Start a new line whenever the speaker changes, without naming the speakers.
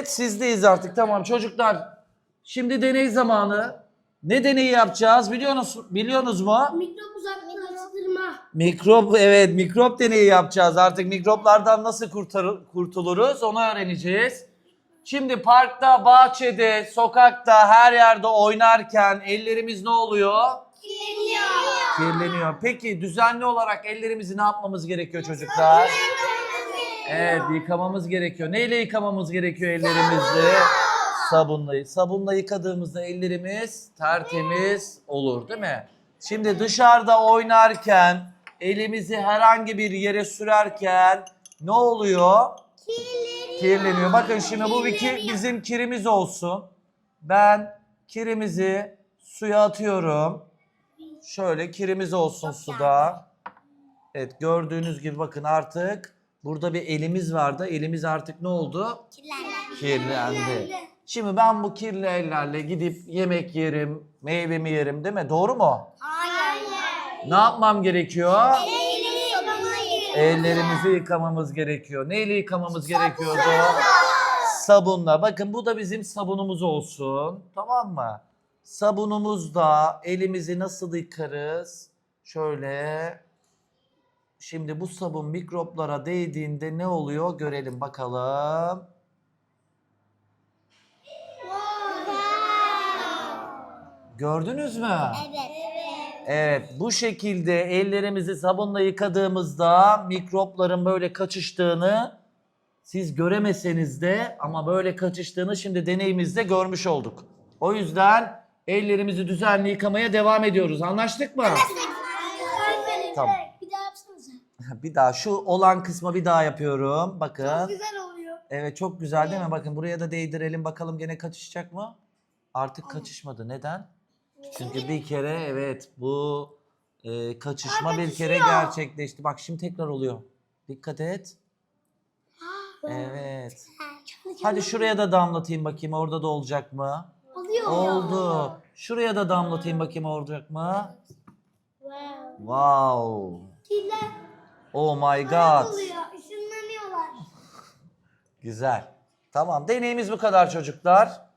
Evet, sizdeyiz artık. Tamam çocuklar. Şimdi deney zamanı. Ne deneyi yapacağız biliyorsunuz mu?
Mikrop uzaklaştırma.
Evet, mikrop deneyi yapacağız. Artık mikroplardan nasıl kurtuluruz onu öğreneceğiz. Şimdi parkta, bahçede, sokakta, her yerde oynarken ellerimiz ne oluyor? Kirleniyor. Peki düzenli olarak ellerimizi ne yapmamız gerekiyor çocuklar? Evet, yıkamamız gerekiyor. Neyle yıkamamız gerekiyor ellerimizi? Sabunla. Sabunla yıkadığımızda ellerimiz tertemiz olur, değil mi? Şimdi dışarıda oynarken, elimizi herhangi bir yere sürerken ne oluyor? Kirleniyor. Bakın şimdi bu bizim kirimiz olsun. Ben kirimizi suya atıyorum. Şöyle kirimiz olsun suda. Evet, gördüğünüz gibi bakın artık burada bir elimiz vardı. Elimiz artık ne oldu? Kirlendi. Şimdi ben bu kirli ellerle gidip yemek yerim, meyvemi yerim, değil mi? Doğru mu?
Hayır.
Ne yapmam gerekiyor? Ellerimizi
Ellerimizi
yıkamamız gerekiyor. Neyle yıkamamız gerekiyordu? Sabunla. Bakın bu da bizim sabunumuz olsun. Tamam mı? Sabunumuzda elimizi nasıl yıkarız? Şöyle. Şimdi bu sabun mikroplara değdiğinde ne oluyor? Görelim bakalım. Gördünüz mü? Evet, bu şekilde ellerimizi sabunla yıkadığımızda mikropların böyle kaçıştığını siz göremeseniz de ama böyle kaçıştığını şimdi deneyimizde görmüş olduk. O yüzden ellerimizi düzenli yıkamaya devam ediyoruz. Anlaştık mı? Tamam.
Bir daha yapsanıza.
Bir daha şu olan kısmı bir daha yapıyorum. Bakın.
Çok güzel oluyor.
Evet, çok güzel değil mi? Bakın buraya da değdirelim bakalım gene kaçışacak mı? Artık kaçışmadı. Neden? Çünkü bir kere evet bu kaçışma bir kere gerçekleşti. Bak şimdi tekrar oluyor. Dikkat et. Evet. Hadi şuraya da damlatayım bakayım orada da olacak mı?
Oluyor.
Oldu. Şuraya da damlatayım bakayım olacak mı?
Wow.
Wow.
Kirler
Oh my god.
oluyor. Işınlanıyorlar.
Güzel. Tamam, deneyimiz bu kadar çocuklar.